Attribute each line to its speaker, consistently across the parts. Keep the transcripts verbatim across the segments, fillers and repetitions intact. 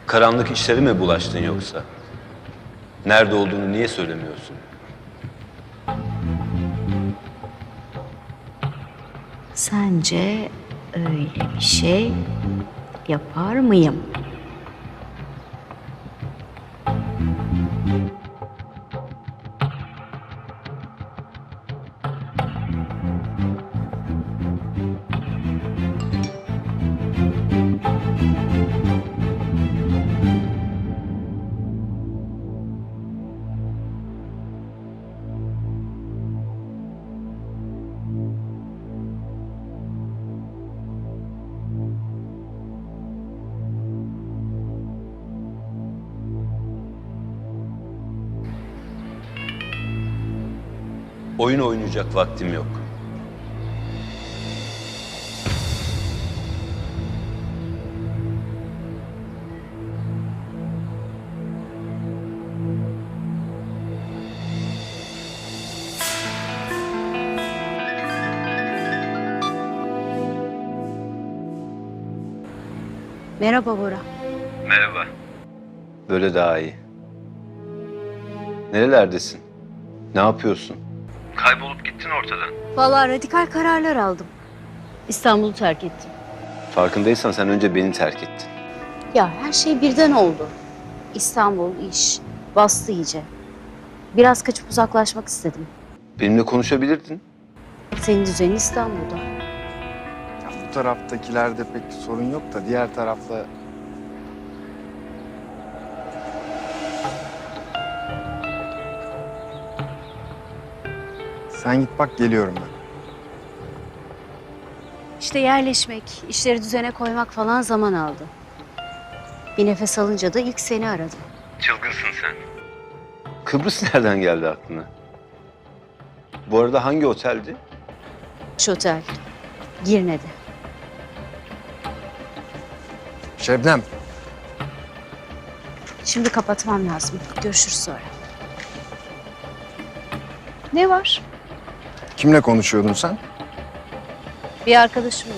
Speaker 1: Karanlık işlere mi bulaştın yoksa? Nerede olduğunu niye söylemiyorsun?
Speaker 2: Sence öyle bir şey yapar mıyım?
Speaker 1: Oyun oynayacak vaktim yok.
Speaker 2: Merhaba Bora.
Speaker 1: Merhaba. Böyle daha iyi. Nerelerdesin? Ne yapıyorsun? Kaybolup gittin ortadan.
Speaker 2: Vallahi radikal kararlar aldım. İstanbul'u terk ettim.
Speaker 1: Farkındaysan sen önce beni terk ettin.
Speaker 2: Ya her şey birden oldu. İstanbul, iş, bastı iyice. Biraz kaçıp uzaklaşmak istedim.
Speaker 1: Benimle konuşabilirdin.
Speaker 2: Senin düzenin İstanbul'da.
Speaker 3: Ya bu taraftakilerde pek sorun yok da diğer tarafta... Sen git bak, geliyorum ben.
Speaker 2: İşte yerleşmek, işleri düzene koymak falan zaman aldı. Bir nefes alınca da ilk seni aradım.
Speaker 1: Çılgınsın sen. Kıbrıs nereden geldi aklına? Bu arada hangi oteldi?
Speaker 2: Şu otel, Girne'de.
Speaker 3: Şebnem,
Speaker 2: Şimdi kapatmam lazım. Görüşürüz sonra. Ne var?
Speaker 3: kimle konuşuyordun sen?
Speaker 2: Bir arkadaşımla.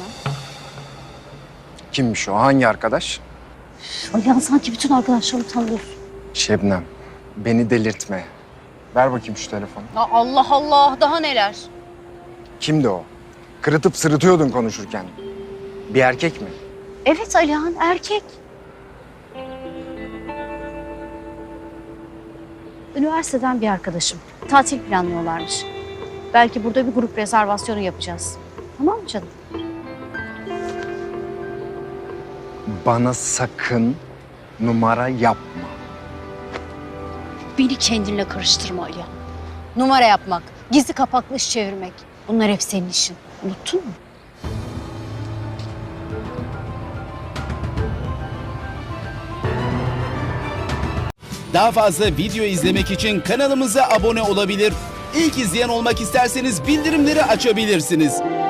Speaker 3: Kimmiş o? Hangi arkadaş?
Speaker 2: Alihan sanki bütün arkadaşlarımı tanıyorsun.
Speaker 3: Şebnem, beni delirtme. Ver bakayım şu telefonu.
Speaker 2: Ya Allah Allah, daha neler?
Speaker 3: Kimdi o? Kırıtıp sırıtıyordun konuşurken. Bir erkek mi?
Speaker 2: Evet Alihan, erkek. Üniversiteden bir arkadaşım. Tatil planlıyorlarmış. Belki burada bir grup rezervasyonu yapacağız. Tamam mı canım?
Speaker 3: Bana sakın numara yapma.
Speaker 2: Beni kendinle karıştırma Alihan. Numara yapmak, gizli kapaklı iş çevirmek. Bunlar hep senin işin. Unuttun mu?
Speaker 4: Daha fazla video izlemek için kanalımıza abone olabilir. İlk izleyen olmak isterseniz bildirimleri açabilirsiniz.